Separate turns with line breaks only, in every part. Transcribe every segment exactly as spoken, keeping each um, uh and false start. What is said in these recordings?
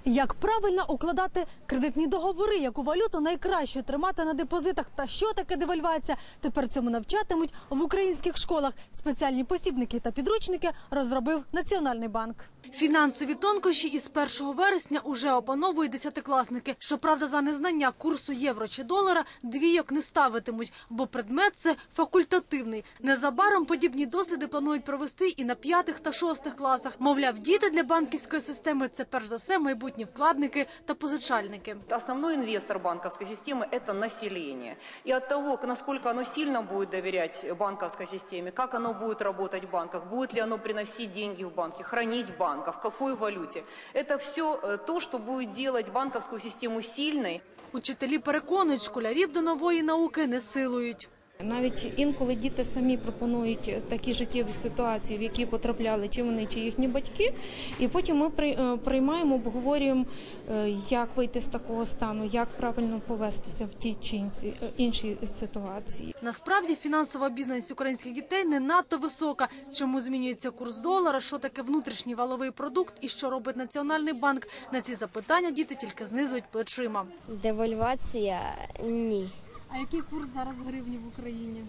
Як правильно укладати кредитні договори, яку валюту найкраще тримати на депозитах та що таке девальвація, тепер цьому навчатимуть в українських школах. Спеціальні посібники та підручники розробив Національний банк. Фінансові тонкощі із першого вересня уже опановують десятикласники. Щоправда, за незнання курсу євро чи долара двійок не ставитимуть, бо предмет це факультативний. Незабаром подібні досліди планують провести і на п'ятих та шостих класах. Мовляв, діти для банківської системи – це перш за все майбутні вкладники та позичальники.
Основной инвестор банковской системы – это население. И от того, насколько оно сильно будет доверять банковской системе, как оно будет работать в банках, будет ли оно приносить деньги в банки, хранить в банках, в какой валюте. Это все то, что будет делать банковскую систему сильной.
Учителі переконують, школярів до нової науки не силують.
Навіть інколи діти самі пропонують такі життєві ситуації, в які потрапляли чи вони, чи їхні батьки. І потім ми приймаємо, обговорюємо, як вийти з такого стану, як правильно повестися в тій чи іншій ситуації.
Насправді фінансова обізнаність українських дітей не надто висока. Чому змінюється курс долара, що таке внутрішній валовий продукт і що робить Національний банк? На ці запитання діти тільки знизують плечима.
Девальвація – ні.
А який курс зараз гривні в Україні?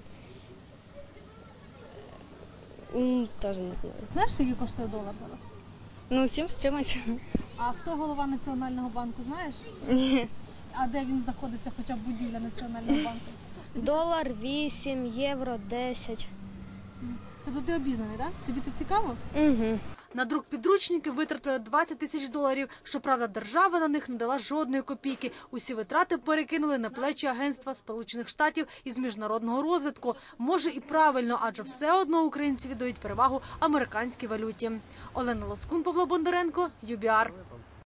М, Теж не знаю.
Знаєш, скільки коштує долар зараз?
Ну, сім з чимось.
А хто голова Національного банку, знаєш?
Ні.
А де він знаходиться, хоча б будівля Національного банку?
Долар вісім, євро десять.
Тобто ти обізнаний, так? Тобі це цікаво?
Угу.
На друк підручників витратили двадцять тисяч доларів. Щоправда, держава на них не дала жодної копійки. Усі витрати перекинули на плечі Агентства Сполучених Штатів із міжнародного розвитку. Може і правильно, адже все одно українці віддають перевагу американській валюті. Олена Лоскун, Павло Бондаренко, ю бі ар.